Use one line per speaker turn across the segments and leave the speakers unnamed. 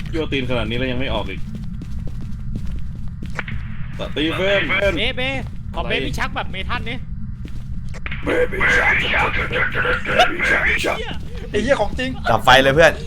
โยตีนขนาดนี้แล้วยังไม่ออกอีกสตีเฟน
เบขอเบบี้ชักแบบเมทัลนี่
ไอ้เหี้ยของจริง
ดับไฟเลยเพื่อน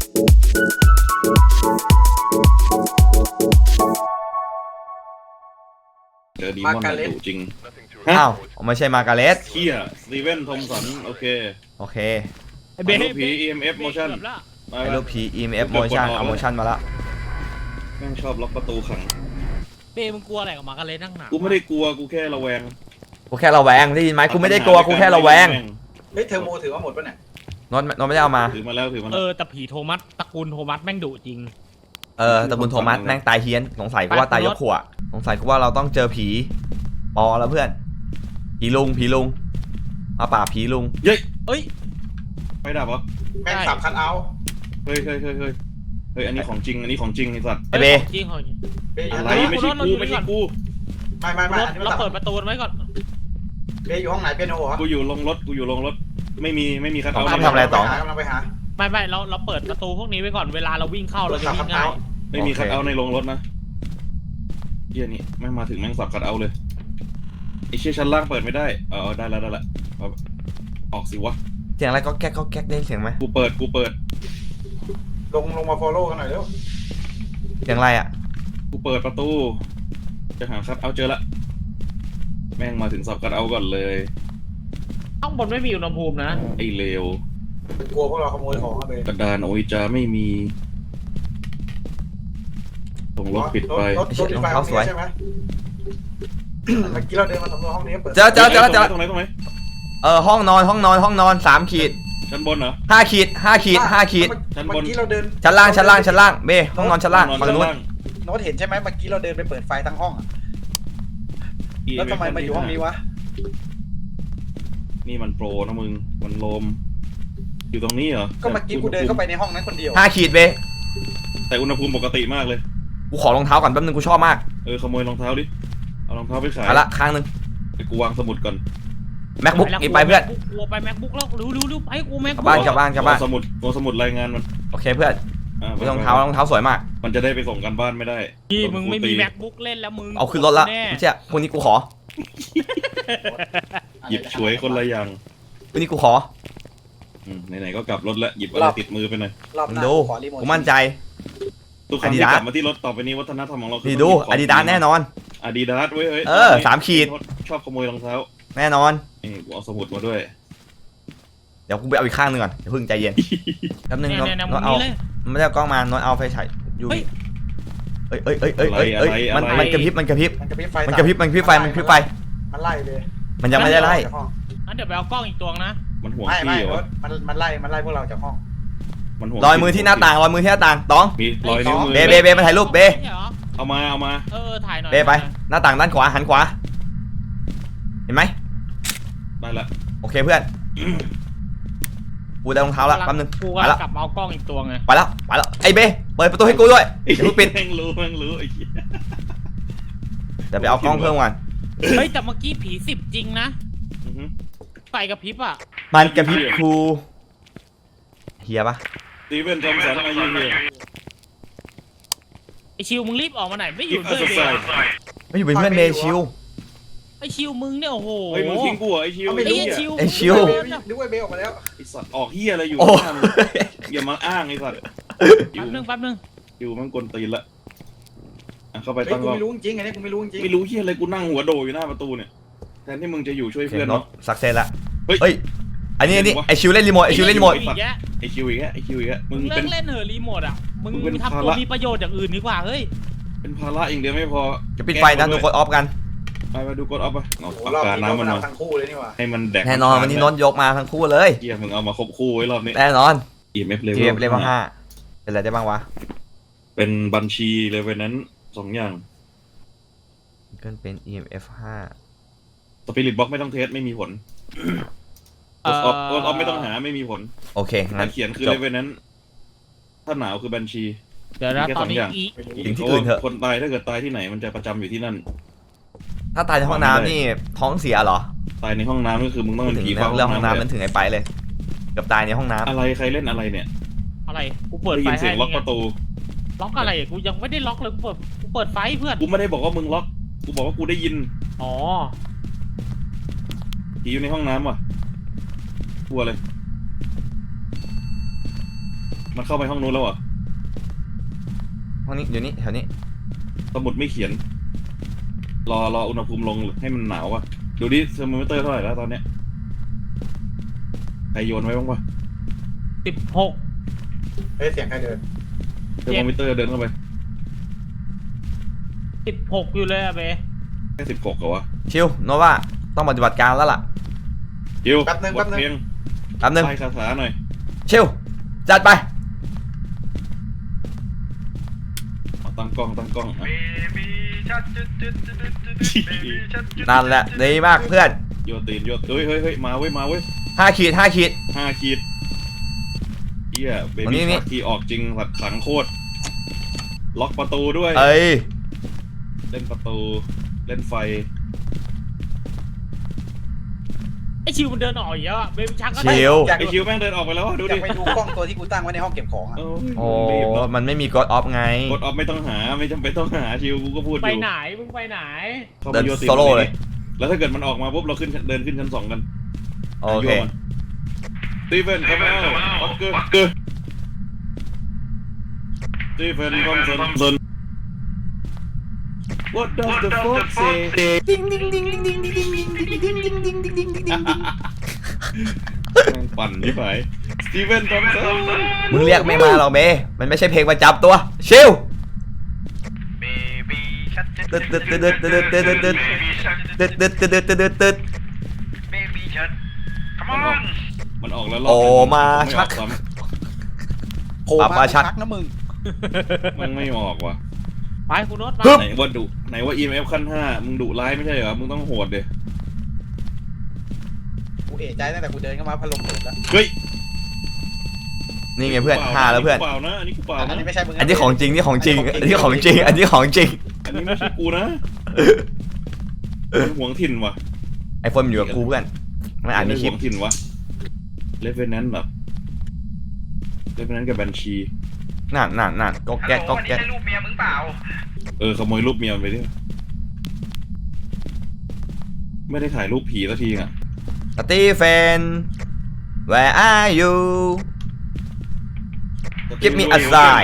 เจอดีมอนมาดุจริง
อ้าวไม่ใช่มาการ์เร็ต
เฮียสตีเวนทอมสันโอเค
เบ
ลูกผี EMF motion
ไอ้ลูกผี EMF motion เอา motion มาละ
แม่งชอบล็อกประตูขัง
เบมึงกลัวอะไรกับมากันเลยนั่งหนา
กูไม่ได้กลัวกูแค่ระแวง
กูแค่ระแวงได้ยินไหมกูไม่ได้กลัวกูแค่ระแวง
เฮ้ยเทอร์โมถือว่าหมดป่ะเนี่ย
นนไม่ได้เอามา
ถือมาแล้ว
แต่ผีโทมัสตระกูลโทมัสแม่งดุจริง
ตระกูลโทมัสแม่งตายเฮี้ยนสงสัยกูว่าตายยกขวดสงสัยกูว่าเราต้องเจอผีปอแล้วเพื่อนผีลุงมาป่าผีลุง
เ
อ้ย
ไม่ดับเหรอ
แม่งสับคันเอา
เฮ้ยอันนี้ของจริงไอ้สัตว์
ไอเบ
จริงเหรอ
อะไรไม่ใช่กูไม่
เราเปิดประตูไว้ก่อน
เบอยู่ห้องไหนเปียโนเหรอ
กูอยู่ลงรถไม่มีคัทเอาท์
ทำอะไรต่อก
ำลังไปหา
ไม่เราเปิดประตูพวกนี้ไว้ก่อนเวลาเราวิ่งเข้าเราจะวิ่งง่าย
ไม่มีคัทเอาท์ในโรงรถนะเฮียนี่แม่งมาถึงแม่งสับคัทเอาท์เลยไอ้เชี่ยชั้นล่างเปิดไม่ได้ได้แล้วออกสิวะ
เสียงอะไรก็แก๊กได้เสียงไหม
กูเปิด
ลงมาฟอลโล่กันหน่อยเร็ว
เสียงอะไรอ่ะ
กูเปิดประตูจะหาคัทเอาท์เจอละแม่งมาถึงสับคัทเอาท์ก่อนเลย
ข้างบนไม่มีอุณหภูมินะ
ไอ้เลว
กลัวพวกเราขโมยของไป
กระดานโอยจาไม่มีส่งรถปิดไป
รถไฟสวยใช่ไหมเมื่อกี้เราเดินมาสำรวจห้องนี้เปิด
เจอ
ตรงไหน
ห้องนอน3 ขีด
ชั้นบนเหรอ
5 ขีด
ชั้นบน
เราเดิน
ชั้นล่างเบห้องนอนชั้นล่างฝั่งนู้น
โน้ตเห็นใช่ไหมเมื่อกี้เราเดินไปเปิดไฟทั้งห้องแล้วทำไมมาอยู่ห้องนี้วะ
นี่มันโปรนะมึงมันโลมอยู่ตรงนี้เหรอ
ก็เมื่อกี้กูเดินเข้าไปในห้องนั้นคนเดียว
5 ขีดเบ
แต่อุณหภูมิปกติมากเลย
กูขอรองเท้าก่อนแป๊บนึงกูชอบมาก
ขโมยรองเท้าดิเอารองเท้าไปขาย
ละข้างนึง
ไปกูวางสมุดก่อน
MacBook อีกไปเพื่อน
กูไป MacBook แล้วรู้ไปกู MacBook
กลับบ้าน
สมุดรายงานมัน
โอเคเพื่อนรองเท้าสวยมาก
มันจะได้ไปส่งกันบ้านไม่ได้
พี่มึงไม่มี MacBook เล่นแล้วมึง
เอาขึ้นรถละไม่ใช่คนนี้กูขอ
หยิบช่วยคนละอย่าง
คนนี้กูขอ
ไหนๆก็กลับรถแล้วหยิบอะไรติดมือไปหน่อย
ดูกูมั่นใจ
ทุกครั้งที่กลับมาที่รถต่อไปนี้วัฒนธรรมของเราคือ
ดูอาดิดาสแน่นอน
Adidas เว้ย
3 ขีด
ชอบขโมยรองเท้า
แน่นอน
นี่กูเอาสมุดมาด้วย
เดี๋ยวกูไปเอาอีกข้างนึงก่อนอย่าเพิ่งใจเย็นแป๊บนึงน้องเอาไม่ได้กล้องมาน้องเอาไฟฉายอยู่มันกระพริบไฟมันไล่เลยมันยังไม่ได้ไล่
งั้นเดี๋ยวไปเอากล้องอีกตัวนะ
มันห่วงพี่เหรอ
มันไล่พวกเราจากห้อง
รอยมือที่หน้าต่างต้อง
มีรอยนิ้วมือ
เบมาถ่ายรูปเบ
เอามา
ถ่ายหน่อย
เบไปหน้าต่างด้านขวาหันขวาเห็นไหม
ได้ละ
โอเคเพื่อนกูได้รองเท้าละแป๊บนึง
ไปแล้วกลับมาเอากล้องอีกตัวไง
ไปแล้วไอ้เบเปิดประตูให้กูด้วยอย่าเพิ่งปิด
แม่งรู้ไอ้เหี้ย
เดี๋ยวไปเอากล้องเพิ่มก่อน
เฮ้ยแต่เมื่อกี้ผี10จริงนะไฟกระพริบอ่ะ
มันกระพริบครูเฮียปะ
สตีเวนทอมสันอายุเฮีย
ไอชิวมึงรีบออกมาไหนไม่อยู่ด้วย
ไม่อยู่เป็นเพื่อนเบชิว
ไอชิวมึงเนี่ยโอ้โห
เฮ้ยมึงทิ้งกูเหรอไอชิว
นึก
ว่าเบลออกมาแล้ว
ไอสัตว์ออกเฮียอะไรอยู่อย่ามาอ้างไอสัตว์
แป๊บนึง
อยู่มันกลตีนละเข้าไปตั้ง
กูไม่รู้จริงไงเนี่ยกูไม่รู้จริง
ไม่รู้เฮียอะไรกูนั่งหัวโดอยู่หน้าประตูเนี่ยแทนที่มึงจะอยู่ช่วยเพื่อนเนาะ
สักเซนละเฮ้ยอันนี้ไอชิวเล่นรีโมทไอชิวอีก
แล้ว
มึงเล่นเหอะรีโมทอ่ะมึงทำตัวมีประโยชน์อย่างอื่นดีกว่าเฮ้ย
เป็นภาระอย่างเดียวไม่พอ
จะปิดไฟนะดูกดออฟกัน
มาดูกดออฟไปเอาปากกาน้ำมันมา
ทั้งคู่เลยนี่ว่า
ให้มันแดก
แน่นอนวันนี้นนยกมาทั้งคู่เลย
เฮียมึงเอามาครบคู่ไว้รอบนี้
แน่นอน
EMF
เลเวล5เป็นอะไรได้บ้างวะ
เป็นบัญชีเลเวลนั้น2อย่าง
ก็เป็น EMF
5 Spirit Box ไม่ต้องเทสไม่มีผลกดออฟไม่ต้องหาไม่มีผล
โอเค
งั้นเขียนคือเลเวลนั้นถ้าหนาวคือบัญชี
เดี๋ยวนะตอนนี้
สิ่งที่อื่นเถอะ
คนตายถ้าเกิดตายที่ไหนมันจะประจำอยู่ที่นั่น
ถ้าตายในห้องน้ำนี่ท้องเสียเหรอ
ตายในห้องน้ำก็คือมึงต้องเป็นผี
เฝ้าห้องน้ำมันถึงไอ้ไปเลยกับตายในห้องน้ำ
อะไรใครเล่นอะไรเนี่ย
อะไรกูเปิด
ไฟให้เสียงล็อกประตู
ล็อกอะไรอ่ะกูยังไม่ได้ล็อกเลยกูเปิดไฟเพื่อน
กูไม่ได้บอกว่ามึงล็อกกูบอกว่ากูได้ยิน
อ๋อ
ผีอยู่ในห้องน้ำว่ะกลัวเลยมันเข้าไปห้องนู้นแล้วเหรอ
ห้องนี้อยู่นี่แถวนี้
สมุดไม่เขียนรออุณหภูมิลงให้มันหนาวอ่ะดูดิเทอร์โมมิเตอร์เท่าไหร่แล้วตอนเนี้ยใครโยนไว้บ้างวะ
16
เฮ้ยเสียงใครเดิน
เทอร์โมมิเตอร์เดินเข้าไป
16อยู่เลยอะเบ
แค่16เหรอวะ
ชิวโนว่าต้องปฏิบัติการแล้วล่ะ
ยิว
แป๊บนึง
ก
แป๊
ด
บนึง
เพลง
แป๊บนึง
ไล่คาถาหน่อย
ชิวจัดไป
เอาตั้งกล้องอ่ะ
นั่นแหละดีมากเพื่อน
โยนตีนโยนเฮ้ยมาเว้ย
5 ขีด 5 ขีด
5 ขีดเหี้ยเบ
อันนี้
บี้
นี่
ชาร์ที่ออกจริงสัตว์ขังโคตรล็อกประตูด้วย
เอ้ย
เล่นประตูเล่นไฟ
ไอชิวมันเดินออกอีกแล้วอะเบบี้ชักก็
ชิว
อยาก
ไอคิวแม่งเดินออกไปแล้วอะดู
อยา
ดิ
กไปดูกล้องตัวที่กูตั้งไว้ในห้องเก็บของอ่ะ
โอ้
โอ้
รีบเนอะ
มันไม่มีกดออฟไง
กดออฟไม่ต้องหาไม่จำเป็นต้องหาชิวกูก็พูดอ
ไป
ยู่
ไหนมึงไปไหน
ข้า
เดิน
มาโยนตีน
โซโล่เลย
แล้วถ้าเกิดมันออกมาปุ๊บเราเดินขึ้นชั้น 2กัน
โอเค
สตีเฟนคอมเมลออกเกอร์สตีเฟนคอมเซน What does the fox say แม่งปั่นที่ไหนสตีเฟนคอมเซน
มึงเรียกไม่มาหรอกเมย์มันไม่ใช่เพลงประจำตัว ชิวตึ๊ดตึ๊ดตึ๊ดตึ๊ดตึ๊ดตึ๊ดตึ๊ดตึ๊ดตึ๊ดตึ๊ดตึ๊ดตึ๊ดตึ๊ดตึ๊ด
มันออกแล้วรบ
โอ้มาชัก
ไอออ
โผล่
ปรับ
มา
มาชัก
ชักนะมึง
มันไม่ออกว่ะ
ไปคุณโน้ตมา
ฮึบ
ไหนว่า EMF ขั้น 5มึงดุร้ายไม่ใช่เหรอมึงต้องโหดเดย
กูเอะใจตั้งแต่กูเดินเข้ามาพัดลมเปิดแล้ว
เฮ้ย
นี่ไงเพื่อน5แล้วเพื่อน
เปล่านะอันนี้กูเปล่า
อัน
นะ
นี้ไม่ใช่มึง
อันนี้ของจริงนี่ของจริง อันนี้ของจริง อันนี้ของจริง
อันนี้ไม่ใช่กูนะมันหวงถิ่นว่ะ
ไอโฟนมันอยู่กับกูเพื่อนไม่อ่านในคลิป
หวงถิ่นวะเลเวนแนนต์แบบเลเวนแนนต์กับบัญชี
นั่นก็แก๊กก็แก๊ก
รูปเมียมึงเปล่า
ขโมยรูปเมียมันไปดิไม่ได้ถ่ายรูปผีสักทีอ่ะ
สตีเฟน where are you Give me a sign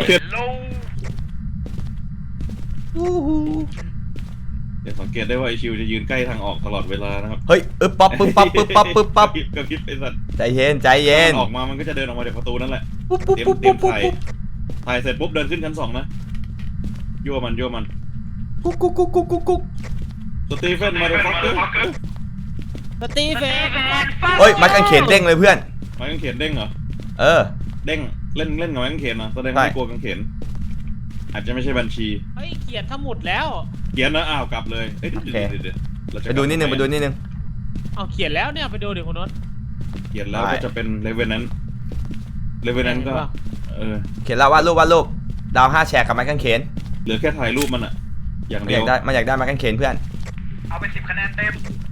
เดี๋ยวสังเกตได้ว่าไอชิวจะยืนใกล้ทางออกตลอดเวลานะครับ
เฮ้ยอึ๊บปั๊บปึ๊บปั๊บปึ๊บปั๊บปึ๊บปั๊บ
กระพริบไอสัตว์
ใจเย็นใจเย็น
ออกมามันก็จะเดินออกมาจากประตูนั่นแหละ
ปุ๊บปุ๊บ
เตรียม
ปุ๊บ
เตรีย
ปุ๊
ม
บ
ถ่าย
ปุ๊บ
ถ่ายเสร็จปุ๊บเดินขึ้นชั้น 2นะยั่วมัน
กุ๊กกุ๊กกุ๊กกุ๊กกุ๊กกุ๊ก
สตีเฟนมาเดฟักเกอร์
สตีเฟน
เฮ้ยไม้กางเขนเด้งเลยเพื่อน
ไม้กางเขนเด้งเหรอ
เออ
เด้งเล่นกับไม้กางเขนนะแสดง
ใช่
ว่าไม่กลัวกางเขนอาจจะไม่ใช่บัญชี
เฮ้ยเขียนสมุดแล้ว
เขียนนะอ้าวกลับเลยเอ้ยเดี๋ยวเราจะ
ไปดูนิดนึงไปดูนิดนึง
เอาเขียนแล้วเนี่ยไปดูดิคุณโน้ต
เขียนแล้ว
ได้
ก็จะเป็นเลเวนนั้นก็เออ
เขียนแล้ววาดรูปดาว5 แฉกกับไม้กางเขน
เหลือแค่ถ่ายรูปมันอะอย่าง
มัน
เดี
อย ยาว กได้มันอยากได้ไม้กางเขนเพื่อน
เอาไป10 คะแนนเต็ม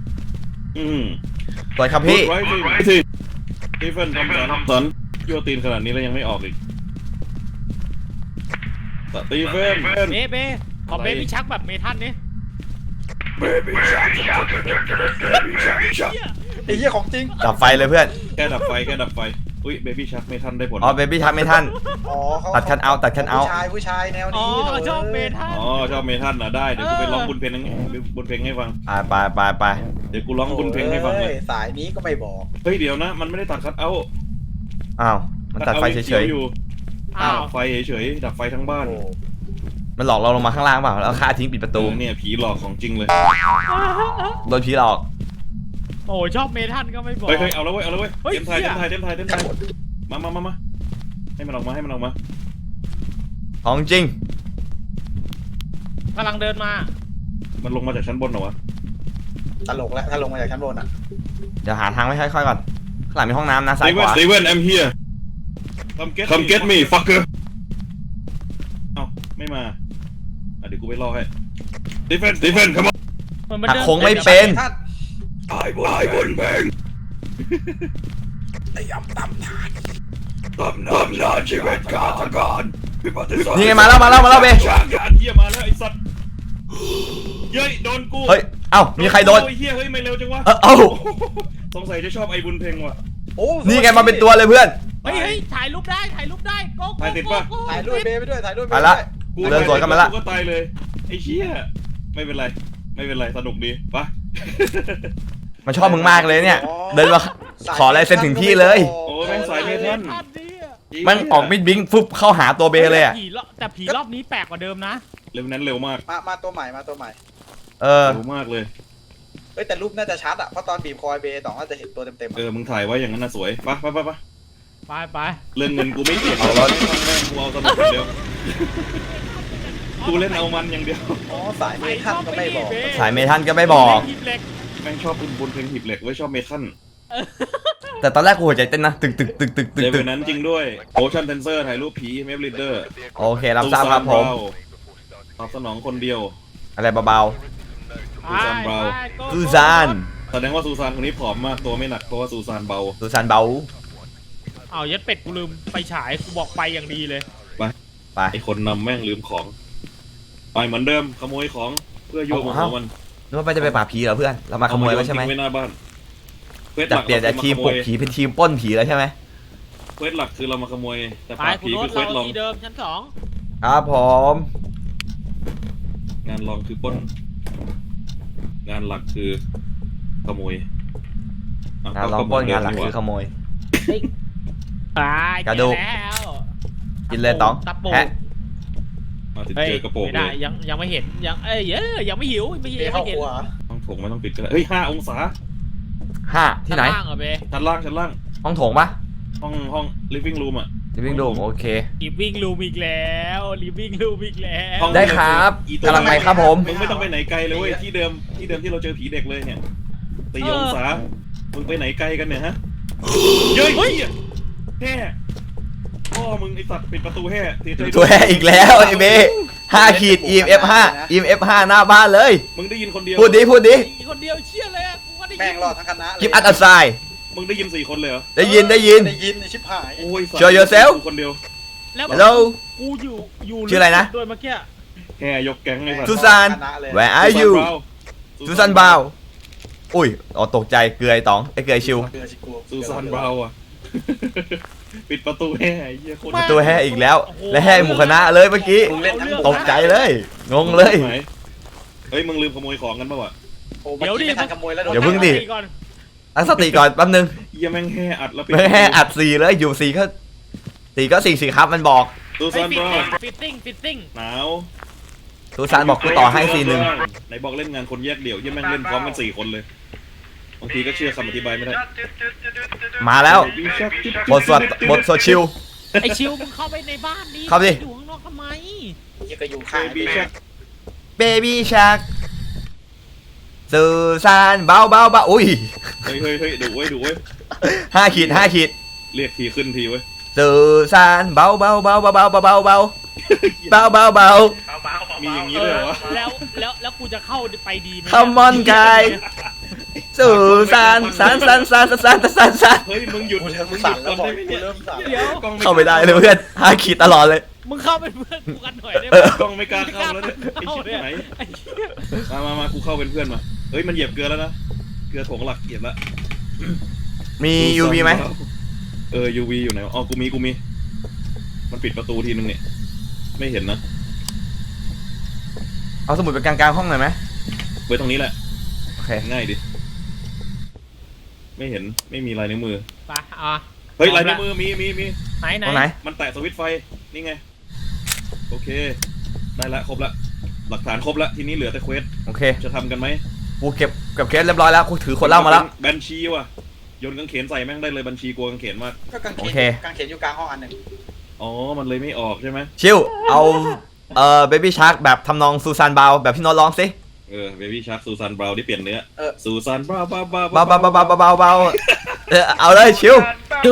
สวยครับพี่
ไรสิสตีเฟนทำสันยั่วตีนขนาดนี้แล้วยังไม่ออกอีกสตีเฟน
เบขอเบบี้ชักแบบเมทัลนี่
ไอ้เหี้ยของจริง
ดับไฟเลยเพื่อน
แค่ดับไฟอุ้ยเบบี้ชักไม่ทันได้ผล
อ๋อเบบี้ทักไม่ทัน
อ๋อเขา
ตัดคัทเอาท์ตัดคัทเอาท์
ผู้ชายแนว
อ๋อ
นี้
ชอบเมทัล
อ๋อชอบเมทัลนะได้เดี๋ยวกูไปร้องบุญเพลงให้ฟัง
ไป
เดี๋ยวกูร้องบุญเพลงให้ฟังเลย
สายนี้ก็ไม่บอก
เฮ้ยเดี๋ยวนะมันไม่ได้ตัดคัทเอาท์
อ้าวมันตัดไฟเฉย
อยู่
อ้าว
ดับไฟเฉยๆดับไฟทั้งบ้าน
โอ้
ๆมันหลอกเราลงมาข้างล่างเปล่าแล้วฆ่าทิ้งปิดประตู
เนี่ยผีหลอกของจริงเลย
โดนผีหลอก
โอ้ชอบเมทัลก็ไม่บอก
เฮ้ยเอาแล้วเว้ย
เฮ้ย
เต็มไทยมาให้มันออกมา
ของจริง
กำลังเดินมา
มันลงมาจากชั้นบนเหรอวะ
ตลกแล้วถ้าลงมาจากชั้นบนอ่ะ
เดี๋ยวหาทางไม่ค่อยๆก่อนข้างหลังมีห้องน้ำนะซ้ายขวา
Steven I'm here Come get me fucker เอ้าไม่มาเดี๋ยวกูไปรอให้ Steven come on
มัน
หัก
เดิน
โค้งไม่เป็น
ท่าน
I won't bang
ไอ้ยำตำทาน
ตำนานชีวิตฆาตกร
นี่ไงมาแล้วเบ
ช้างการเหี้ยมาแล้วไอ้สัตว์เย้ยโดนกู
เฮ้ยเอ้ามีใครโดน
ไอ้เหี้ยเฮ้ยไม่เร็วจังวะ
เอ้า
สงสัยจะชอบไอ้บุญเพ็งว่ะ
โอ้
นี่ไงมาเป็นตัวเลยเพื่อน
เฮ้ยถ่ายรูปได้โก้
ถ่ายติดปะ
ถ่ายรูปเบย์ไปด้วยถ่ายรูป
ไปละ
กู
เดินสวนกันมาละ
กูก็ตายเลยไอ้เชี่ยไม่เป็นไรสนุกดีปะ
มันชอบมึงมากเลยเนี่ย เดินมาขอลายเซ็นถึงที่เลย
โอ้แม่งสายเมทัล
มันออกมิดบิงฟึบเข้าหาตัวเบเลยอะ
แต่ผีรอบนี้แปลกกว่าเดิมนะ
เร็วนั้นเร็วมาก
มาตัวใหม่
เออ
เร็วมากเลย
เฮ้ยแต่รูปน่าจะชัดอ่ะเพราะตอนบีบคอยเบย์ต่องน่าจะเห็นตัวเต็มๆ
มึงถ่ายไว้อย่างนั้นน่ะสวยปะ
ไป
เรื่องเงินกูไม่เกี่ยว
เอารถ
กูเอาสนุกอย่างเดียวกูเล่นเอามันอย่างเดียว
อ๋อสายเมทัลก็ไม่บอก
สายเมทัลก็ไม่บอก
แม่งชอบบุญเพลงหีบเหล็กไว้ชอบเมทัล
แต่ตอนแรกกูหัวใจเต้นนะตึก
เดี๋ยวนั้นจริงด้วยโอชั่นเทนเซอร์ถ่ายรูปผีเมฟลิเดอร์
โอเครับทราบครับผม
ตอบสนองคนเดียว
อะไรเบา ซูซาน
แสดงว่าซูซานคนนี้ผอมมากตัวไม่หนักเพราะว่าซูซานเบา
ๆซูซานเบา
เอายัดเป็ดกูลืมไปฉายกูบอกไปอย่างดีเลย
ไป
ไอคนนำแม่งลืมของไปเหมือนเดิมขโมยของเพื่อโยกของมัน
นึกว่าจะไปป่าบผีเหรอเพื่อน เรามาขโมยไว้ใช่ไหม
ทิ้งไว้หน้าบ้านเควสห
จาก
ลัก
เปลี่ยนจากทีมปลุกผีเป็นทีมปล้นผีแล้วใช่ไหม
เควสหลักคือเรามาขโมยแต่
ไป
ปราบ
กู
ผี
โน้
คื
ต
อเคว
เรา
สลอง
ที่เดิมชั้นสอง
ครับผม
งานรองคือปล้น งานหลักคือขโมยะ
งานลองปล้นงานหลักคือขโมย
ไป
กระดูก
แล้ว
กินเลยต๋อง
ตะปู
แฮะ
มาถึง
เฮ้ย
เจอกระโปรง
ไม่
เล
ได้
ย
ยังไม่เห็นยังยังไม่หิวไม่
เบย์
ยัง
เข้า
ไม่เห็
คน รัว
ต้องถงไม่ต้องปิดก็ได้เฮ้ย5 องศา
5 ที่ไหน
ข้างล่างเหรอเบ
ชั้นล่าง
ห้องโถงปะ
ห้อง living room อ่ะ
ลิฟวิ่งรูมโอเค
รีวิ่งรูมอีกแล้วรีวิ่งรูมอีกแล้ว
ห้อง
ได้ครับกำลังไปครับผม
มึงไม่ต้องไปไหนไกลเลยเว้ยที่เดิมที่เราเจอผีเด็กเลยเนี่ย4 องศามึงไปไหนไกลกันเนี่ยฮะเย้ยแห่พ่อมึงไอสัตว์ปิดประตูแห่เสียใจด้วย
ตัวแห่อีกแล้วไอ้เบ5 ขีด EMF 5 EMF 5 หน้าบ้านเลย
มึงได้ยินคนเดียว
พูดดิ
อีกคนเดียวเชี่ยเลยอะกูก็ได้ยิน
แม่งรอดทั้งคณะเลย
กิฟอัดอัดไซ
มึงได้ยิน4 คนเลยเหรอ
ได้ยิน
ได้ยินไอ้ชิบหาย
โอ้ยสัตว์
Show yourself
กูคนเดียว
แล้ว
Hello
กูอยู่
ชื่ออะไรนะ
โดยเมื่อกี้
แห่ยกแก๊งไอ้สัตว์
ซูซาน
คณะเลย
Where are you ซูซานบาวอุ้ยอ๋อตกใจเกลือไอ้ต๋องไอ้เกลือไอ้ชิว
เกลือชิกู
ซูซานบราวน์อ่ะ ปิดประตูแห่ไอ้เหี้ยโคตร
ตัวแห่อีกแล้ว และแห่หมู่คณะเลยเมื่อกี้
มึงเล่นทั้งหมด
ตกใจเลยงงเลย
ไหนเฮ้ยมึงลืมขโมยของกันป่าวะ
โอ้เมื่อกี้ไม่ทันขโมยแล้วโดน
เดี๋ยวเพิ่งดิ
ก่อน
ตั้งสติก่อนแป๊บนึง
เหี้ยแม่งแห่อัดแล้วปิด
ไม่แห่อัด4เลยอยู่4ก็4ก็4สิครับมันบอก
ซู
เฮ้
ซาย นบราวน์
ฟิตติ้ง
หนาว
ซูซานบอกกูต่อให้4-1
ไหนบอกเล่นงานคนแยกเดี่ยวเหี้ยแม่งเล่นพร้อมกัน4 คนเลยบางทีก็เชื่อคำอธิบายไม่ได้
มาแล้วบทสวดชิว
ไอชิวมึงเข้าไปในบ้านดิ
เข้าดิ
อยู่ข้างนอกทำไม
ยังก็อยู่ข้าง
บีแช็ค
Baby Shark ซูซานเบาอุ้ย
เฮ้ยดุเว้ย
5 ขีด 5 ขีด
เรียกทีขึ้นทีเว้ย
ซูซานเบา
มีอย่างนี้ด้วยเหรอวะ
แล้วกูจะเข้าไปดีไหม
Come on guy ซูซานซาน
เฮ้ยมึงหยุด
กูเริ่ม
มึงห
สั่
ยุ
น
ด
แล้วบอกกู
ก่อนได้ไหมเนี่ย
เริ่มสั่น
เดี๋ยว
กล้อง
เข้าไม่ได้เลยเพื่อน5 ขีดตลอดเลย
มึงเข้าเป็นเพื่อนกูกันหน่อยได้ไหม
กล้องไม่กล้าเข้าแล้วเนี่ยไอ้ชิบไหน
ไอ้เหี้ย
มากูเข้าเป็นเพื่อนมาเฮ้ยมันเหยียบเกลือแล้วนะเกลือถงหลักเหยียบแล้ว
มี UV ไหม
UV อยู่ไหนอ๋อกูมีมันปิดประตูทีนึงเนี่ยไม่เห็นนะ
เอาสมุดไปกลางห้องหน่อยไหม
ไว้ตรงนี้แหละ
โอเค
ง่ายดิไม่เห็นไม่มีลายนิ้วมือ
ไปอ่ะ
เฮ้ยลายนิ้วมือมี
ไหน
ตรงไหน
มันแตะสวิตช์ไฟนี่ไงโอเคได้ละครบละหลักฐานครบละทีนี้เหลือแต่เควส
โอเค
จะทำกันไหม
กูเก็บเคสเรียบร้อยแล้วกูถือคนเหล่ามาแล้ว
แบนชีว่ะโยนกางเขนใส่แม่งได้เลยบัญชีกลัวกางเขนมาก
ก็กาง
โอ
เข
เค
นกางเขนอยู่กลางห้องอันหนึ่ง
อ๋อมันเลยไม่ออกใช่ไหม
ชิวเอาBaby Shark แบบทำนองซูซานเบาแบบพี่โน้ตร้องสิ
เบบี้ชาร์คซูซานบราวน์ที่เปลี่ยนเนื้อ
เออ
ซูซานบราวน์
เบาเอาเลยชิว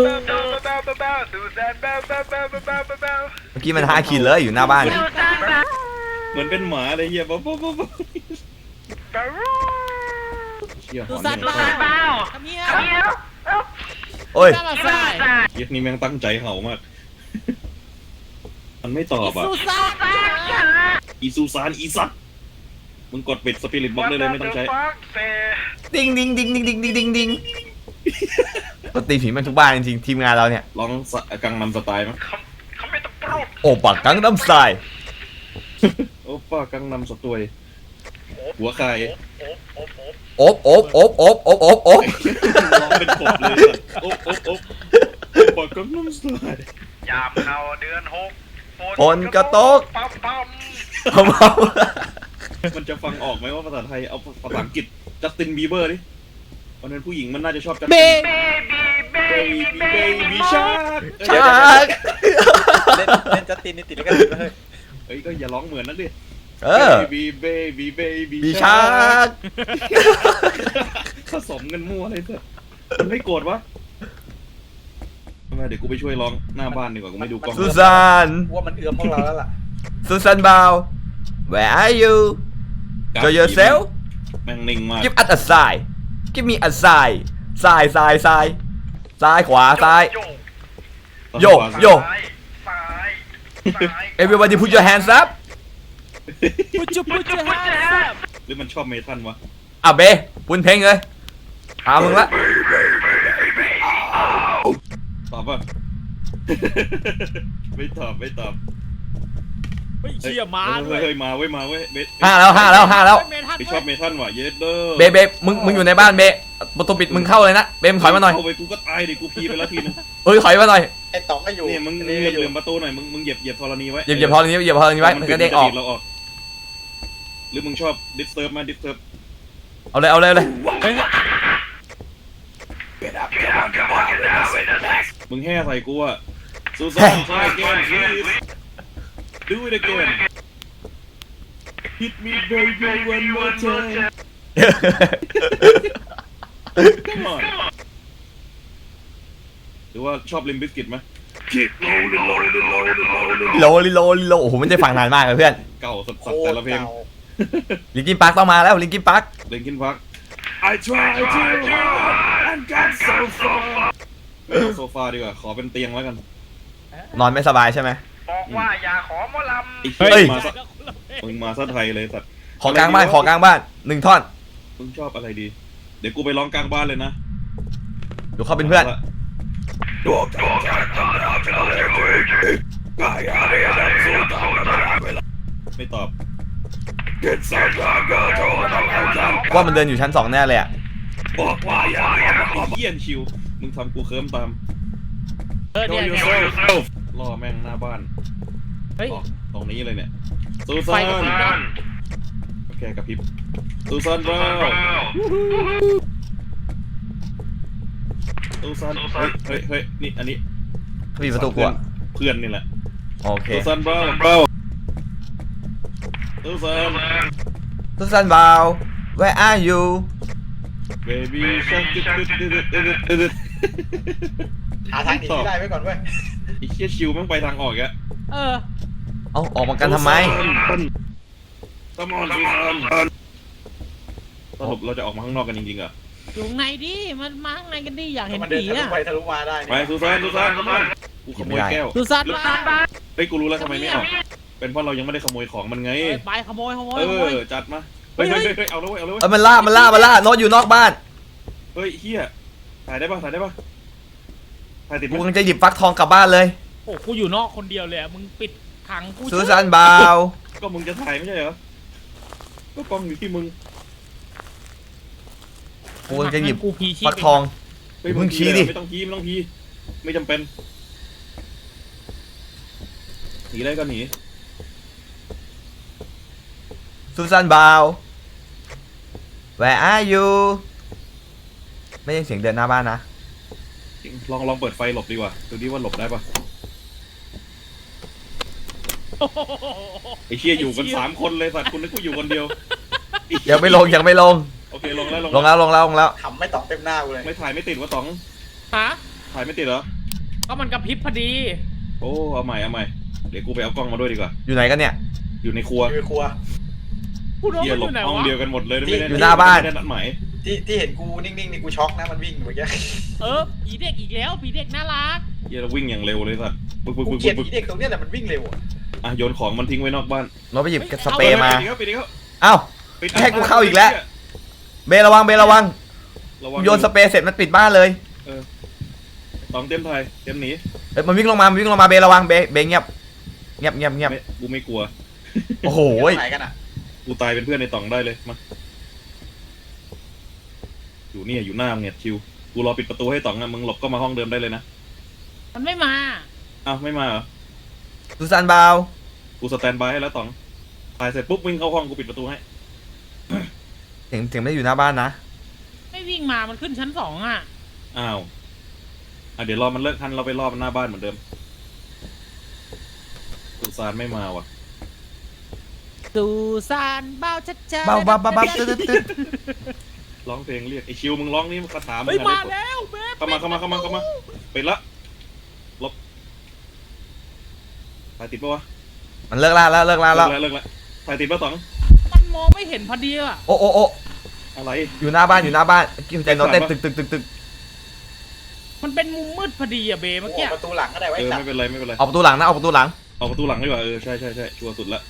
เมื่อกี้มัน5 ขีดเลยอยู่หน้าบ้าน
เหมือนเป็นหมาเลยเฮียบ๊อบเฮียห
ดู
อน
สัตว์
เนี่ย
บ้าทำเนี้ย
โอ้ย
น่ามาใส่
เฮียนี่แม่งตั้งใจเห่ามากมันไม่ตอบอ่ะ
ซูซ่า
อีซูซานอีสัตมึงกดปิดสปิริตบล็อกได้เลยไม่ต้องใช้
ดิงดิงดิงดิงดิงดิงดิงดิงปกติผีมันทุกบ้านจริงๆทีมงานเราเนี่ย
ลองกังนำสไตล์มั้ย
โอ้ปักกังน้ำใส
โอ้ป้ากังนำสตวยหัวใคร
โอบโอบโอบโอบโอบโอบโอบ
ร้องเป็นกบเลยโอ๊บโอ๊บโอ๊บป้ากังนำสไตล์
ยามเข้าเดือนหก
ฝนกระตก
ปั๊มปั๊ม
เอา
มันจะฟังออกไหมว่าภาษาไทยเอาภาษาอังกฤษจัสตินบีเบอร์ดิวันนั้นผู้หญิงมันน่าจะชอบจัส
เบ
ติน
เบ
เบบี้ชาร์ก
ชัก
เล่นจัสตินนี่ติดแล้วกันเลย
เฮ้ยก็อย่าร้องเหมือนนักดิ
เออ
เบบี้
บีชัก
ผสมกันมั่วเลยเถอะมันไม่โกรธวะเดี๋ยวกูไปช่วยร้องหน้าบ้านดีกว่ากูไม่ดูกล้อง
สุสาน
ว่ามันเอื้อมพวกเราแล้วล่ะ
สุสานบาว where are you show yourself
แม่งนิ่งมาก
give us a sign give me a sign ซ้ายซ้ายซ้ายซ้ายขวาซ้าย โยกโยก
ซ้าย
everybody put your hands up
พุจุพุจุฮะ
หรือมันชอบเมทัลวะ
อ่ะเบปุนเพลงเลยเอามึงละ
ตอบป่ะ ไม่ตอบ
เฮ้ยเชี่ยมาด้วย
เฮ้ยมาเว้ยเบส
ห้าแล้ว
เมทัล
ไม่ชอบเมทัลว่ะเยสเดอร์
เบมึงอยู่ในบ้านเบประตูปิดมึงเข้าเลยนะเบมถอยมาหน่อย
เข้าไปกูก็ตายดิกูพีไปแล้วทีนึง
เอ้ยถอยมาหน่อย
ไอ้ต๋องก็อยู่
เนี่ยมึง
นี่
เห
ก็อยู่
ลี่ยมประตูหน่อยมึงเหยียบธรณีไว้
เหยียบพอตรงนี้เหยียบพอตรงนี้ไว้มันก็เด้งออก
เราออกหรือมึงชอบดิสเทิร์บมาดิสเทิร์บ
เอาเลย
เฮ้ย
มึงแห่ใส่กูอะซูซานtry again please do it again hit me baby one more time come on หรือว่าชอบลิมบิสกิตไหม Kick low
โลโอ้โหมันจะฟังนานมากเลยเพื่อน
เก่าสั
โค
สๆแต่
ตร
ละเพลง
เก่า
ลิงกินปักต้องมาแล้วลิงกินปัก
เลนคินพัก I try to run and got so far ไม่เอาโซฟาดีกว่าขอเป็นเตียงแล้วกัน
นอนไม่สบายใช่ไหม
บอกว่าอย่าขอหมอล
ไอ้
เฮ้
เฮ้
ย
ยมาซะมึงมาซะไทยเลยสัตว์
ขอกลางบ้าน1 ท่อน
มึงชอบอะไรดี เดี๋ยวกูไปร้องกลางบ้านเลยนะ
ดูเขาเป็นเพื่อน
ไม่ตอบ
ว่ามันเดินอยู่ชั้น 2แน่เลยอ่ะ
เยี่ยนชิว มึงทำกูเคิร์มตาม
เนี่ย
ล่อแม่งหน้าบ้าน
เฮ้ย
ตรงนี้เลยเนี่ยซู
ไฟ
ซาน
กับพริบนะ
โอเคกับพริบซูซานบราวซูซานเฮ้ยนี่อันนี้
ปิดประตูกลัว
เพื่อนนี่แหละ
โอเค
ซูซานบราวซูซาน
สุสานบาว where are you
baby
ำหาทางหนีที่ได้ไว้ก่อนเว้ย
ไอ้เชี่ยชิวแม่งไปทางออกอีกอะ
เออ
เอาออกมากันทำไม
สมอนซูซานสรุปเราจะออกมาข้างนอกกันจริงๆเหรอ
อยู่ข้างในดิมันมาข้างในกันดิอยากเห็น
มันเดิน
ผี
ทะลุ
อ่ะ
ไปทะลุมาได้
ไปซูซานกูขโมยแก้ว
ซูซ่ามา
เฮ้ยกูรู้แล้วทำไมไม่ออกเป็นเพราะเรายังไม่ได้ขโมยของมันไง
ไปขโมย
เออจัดมาเฮ้ยเอาแล้วเว้ยเอาแล้วเว้ย
มันล่าโน้ตอยู่นอกบ้าน
เฮ้ยเฮียถ่ายได้ปะถ่ายติด
กู
มั้
กำลังจะหยิบฟักทองกลับบ้านเลย
โอ้กูอยู่นอกคนเดียวเลยอะมึงปิดขังกู
สุสานบาว
ก็มึงจะถ่ายไม่ใช่เหรอก็กล้องอยู่ที่มึง
กูกำลังจะหยิบ
กูพีชี
ฟักทอง
เฮ้ย
มึงชี้ดิ
ไม่ต้องชี้ไม่จำเป็นหนีได้ก็หนี
สุสานบาว where are you ไม่ใช่เสียงเดินหน้าบ้านนะ
ลองเปิดไฟหลบดีกว่าดูดิว่าหลบได้ปะไอ้เชี่ยอยู่กัน3 คนเลยสัตว์คุณนึกว่าอยู่คนเดียว
ยังไม่ลง
โอเคลงแล้ว
ลงแล้ว
ทำไม่ต๋องเต็มหน้ากูเลย
ไม่ถ่ายไม่ติดวะต๋อง
ฮะ
ถ่ายไม่ติดเหรอ
ก็มันกระพริบพอดี
โอ้เอาใหม่เดี๋ยวกูไปเอากล้องมาด้วยดีกว่า
อยู่ไหนกันเนี่ย
อยู่ในครัว
อยู่ในครัว
พูดว่า
เฮีย
มัน
หล
อบ ยู่ไหน
ห้อง
วะ
เดียวกันหมดเลยไม่ได้
อยู่หน้าบ้าน
ไม่ได้นัดหมาย
ที่เห็นกูนิ่งๆนี่กูช็อกนะมันวิ่งอยู่เมื่อกี้
ผีเด็กอีกแล้วผีเด็กน่ารัก
เฮียเราวิ่งอย่างเร็วเลยสัตว์ปึ๊ก
กูเกลียดผีเด็กตรงเนี้ยแหละมันวิ่งเร็วอะ
อ่ะโยนของมันทิ้งไว้นอกบ้าน
เราไปหยิบสเปรย์มา
ปิดอีกแล้ว
เอ้า
ปิด
ให้กูเข้าอีกแล้ว เบระวังโยนสเปรย์เสร็จมันปิดบ้านเลย
ตองเต็มไทยเต็มหนี
เอ้ยมันวิ่งลงมาเบระวังเบเงียบ
กูไม่กลัว
โอ้โห
อยู่ไหนกันอ่ะ
กูตายเป็นเพื่อนในตองได้เลยมาอยู่เนี่ยอยู่หน้ามึงเนี่ยชิวกูรอปิดประตูให้ตองนะมึงหลบก็มาห้องเดิมได้เลยนะ
มันไม่มา
อ้าวไม่มาเหรอ
ซูซานบาว
กูสแตนบายให้แล้วตองตายเสร็จปุ๊บวิ่งเข้าห้องกูปิดประตูให้
เสียงไม่ได้อยู่หน้าบ้านนะ
ไม่วิ่งมามันขึ้นชั้น2อ่ะ
อ้าวเดี๋ยวรอมันเลิกทันเราไปรอมันหน้าบ้านเหมือนเดิมสุสานไม่มาว่ะ
สุสานเบาชัดๆ
เบาตึ๊ด
ร้องเพลงเรียกไอชิวมึงร้องนี่คาถามึง
เฮ้ย
อะ
มา
ได้
แล้วเบ๊
เข้ามาปิดละลบถ่ายติดปะวะ
มันเลิกล่าแล้ว
เลิกละถ่ายติดปะตอง
มันมองไม่เห็นพอดีอ่ะ
โอ้
อะไร
อยู่หน้าบ้านกิ้วใจโน้ตเต้นตึก
มันเป็นมุมมืดพอดีอ่ะเบ
กู
เมื่อ
อ
กี้
อกประตูหลังก็ได้ไว้สัต
ไม่
ว์
เป็นไรไม่เป็นไร
ออกประตูหลังนะออกประตูหลัง
เอาประตูหลังดีกว่าใช่ชัวร์สุดละ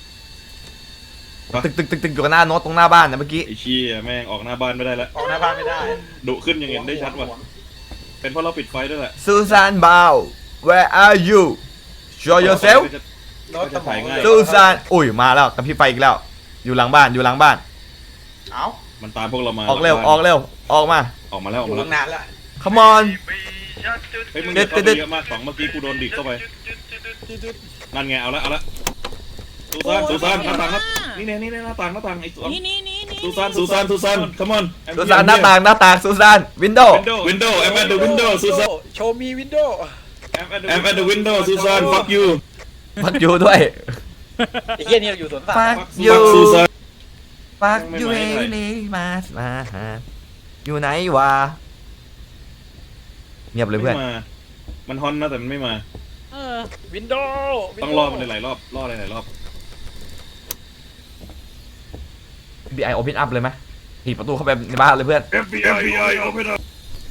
ตึกอยู่กับหน้าโน้ตตรงหน้าบ้านนะเมื่อกี้
ไอชี้แม่งออกหน้าบ้านไม่ได้ละ
ออกหน้าบ้านไม่ได้
ดุขึ้นอย่างเห็นได้ชัดว่ะเป็นเพราะเราปิดไฟด้วยแหละ
ซูซานบาว where are you show yourself
รถสมองเลย
ซูซานอุ้ยมาแล้วกับพี่ไฟอีกแล้ว อยู่หลังบ้าน
เอ้า
มันตามพวกเรามา
ออกเร็วออกมา
ออกมาแล้ว
อยู่ตั้งนานแล้ว
come on
เฮ้ยมึงเข้าไปเยอะมากสองเมื่อกี้กูโดนดิดเข้าไปนั่นไงเอาละสุสานหน้าต่างครับนี่หน้าต่างไอ้สอง
นี่
สุสาน come on
ซูซานหน้าต่างซูซานวินโดว์
window I'm at the window สุสาน
โชว์มีวินโดว์
I'm at the window สุสาน fuck you
ฟักยูด้วย
ไอ้เหี้ยนี่เราอยู่สวนสัตว์
ฟัก
fuck
ยู
สุสาน
ฟักยู
ไม่
เอ
ไหว
นี่มาหาอยู่ไหนวะเงียบเลยเพื่อน
ไม่มามันฮอนนะแต่มันไม่มา
วินโดว์
ต้องรอมันหลายรอบรอหลายรอบ
FBI open up เลยไหมถีบประตูเข้าไปในบ้านเลยเพื่อน
FBI open up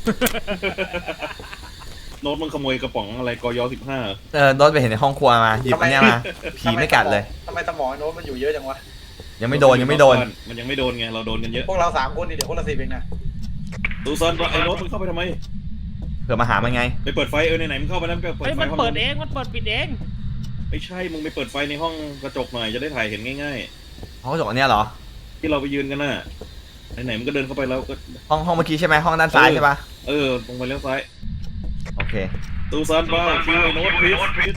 โน้ตมึงขโมยกระป๋องอะไรกย15
โดนไปเห็นในห้องครัวมาหยิบอันเนี้ยมาผีไม่กัดเลย
ทำไมสมองไอ้โน้ตมันอยู่เยอะจังวะ
ยังไม่โดน
มันยังไม่โดนไงเราโดนกันเยอะ
พวกเรา3คนนี่เดี๋ยวคนละ10เองนะ
สุสานไอ้โน้ตมึงเข้าไปทำไม
เผื่อมาหามันไง
ไปเปิดไฟไหนมึงเข้าไปแล้วก็เปิด
เฮ้ย
ไฟ
มัน
ห้อง
เปิดเองมันเปิดปิดเอง
ไม่ใช่มึงไปเปิดไฟในห้องกระจกหน่อยจะได้ถ่ายเห็นง่าย
ห้องกระจกอันเนี้ยเหรอ
ๆที่เราไปยืนกันน่ะไหนมึงก็เดินเข้าไปแล้วก็
ห้องเมื่อกี้ใช่ไหมห้องด้านซ้ายใช่ปะ
ตรงไปเลี้ยวซ้าย
โอเค
สุสานบ้าคิวไอ้โน้ตพีช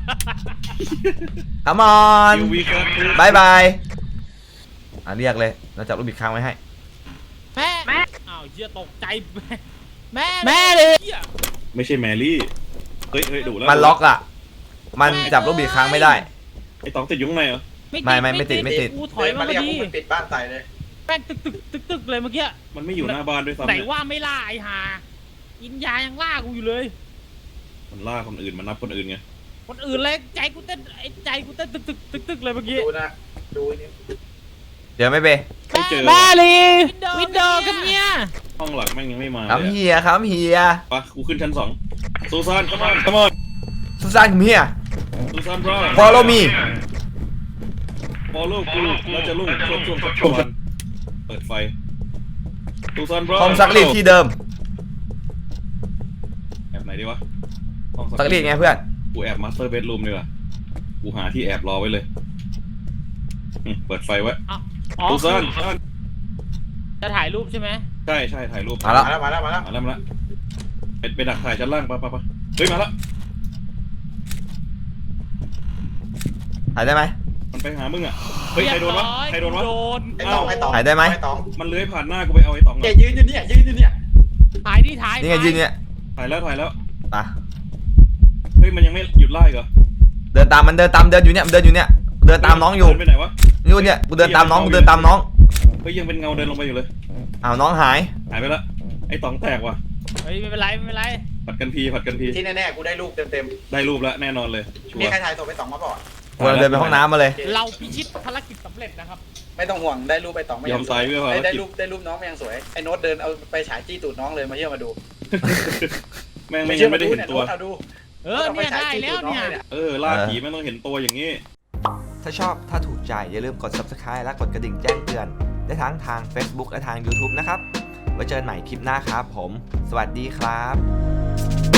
come on
คิววีครับ
บายบายเรียกเลยเราจับลูกบิดค้างไว้ให้
แม่อ้าวเหี้ยตกใจแม่เลย
ไม่ใช่แมรี่เฮ้ยดูแล้ว
มันล็อกอ่ะ มันจับลูกบิดค้างไม่ได้
ไอ้ตองติดอยู่ข้างในเหรอ
ไม่ติด
กูถอยมา
มา
พ
เรีย
อก ดี
พวกมันปิดบ้านใส่เลย
แป้งตึกเลยเมื่อกี้
มันไม่อยู่หน้าบ้านด้วยซ้ำ
ไหน
เนี่ย
ว่าไม่ล่าไอ้ห่ากินยายังล่ากูอยู่เลย
มันล่าคนอื่นมันนับคนอื่นไง
คนอื่นเลยใจกูเต้นตึกเลยเมื่อกี้
ดูนะดูนี่
เดี๋ยวไม่เบ
ไม่เจอ
แม่
ว่ะ
ลีวินโดว์กับเนี่ย
ห้องหลักแม่งยังไม่มา
ครับ
เลย
เฮียครับเฮีย
ปะกูขึ้นชั้น2สุสานcome on
ซูซานกับเฮีย
สุสานบรอ
follow me
follow กูเราจะลุ่งช่วงเปิดไฟสุสานบรอ
ห้องซักรีดที่เดิม
แอบไหนดีวะห้อง
ซักรีดไงเพื่อน
กูแอบมาสเตอร์เบดรูมดีกว่ากูหาที่แอบรอไว้เลยเปิดไฟไว้
อ๋อ
สุสาน
จะถ่ายรูปใช่ไหม
ใช่ถ่ายรูป
มาแล้ว
มาแล้ว
มาแล้วไปดักถ่ายชั้นล่างปะเฮ้ยมาแล้ว
ถ่ายได้ไหม
มันไปหามึงอ่ะเฮ้ยใครโดนวะ
ไอ้ตอง
ไอ้ตองไอ้ตอง
ถ่ายได้ไหม
ไอ้ตอง
มันเลื้อยผ่านหน้ากูไปเอาไอ้ตอง
แกยืนอยู่เนี่ย
ถ่ายดิถ่าย
นี่ไงยืนเนี่ย
ถ่ายแล้ว
ไป
เฮ้ยมันยังไม่หยุดไล่เหรอ
เดินตามเดินอยู่เนี่ยเดินตามน้องอยู่
เดินไปไหนวะ
นี่เนี่ยกูเดินตามน้อง
เฮ้ยยังเป็นเงาเดินลงไปอยู่เลย
อ้าวน้องหาย
หายไปละไอ้ตองแตกว่ะ
เฮ้ยไม่เป็นไร
ผัดกันพี
ที่แน่ๆกูได้รูปเต็ม
ได้รูปแล้วแน่นอนเลยชั
ๆ
ว
มี
ร์
ใครถ่ายศพไป2มาบอก
ก
กำลังเดินไปห้องน้ำมาเลย
เราพิชิตภารกิจสำเร็จนะครับ
ไม่ต้องห่วงได้รูปไปต่อไม่
ยอมตายเพื่อความ
ได้รูปน้องไม่ยังสวยไอ้โน้ตเดินเอาไปฉายจี้ตูดน้องเลยมาเชื่อมาดู
แม่งไม่ยังไม่ได้เห็นตัว
เอาดู
เนี่ยได้แล้วเนี่ย
ล่าผีไม่ต้องเห็นตัวอย่างนี้
ถ้าชอบถ้าถูกใจอย่าลืมกด subscribe และกดกระดิ่งแจ้งเตือนได้ทั้งทาง Facebook และทาง YouTube นะครับไว้เจอกันใหม่คลิปหน้าครับผม สวัสดีครับ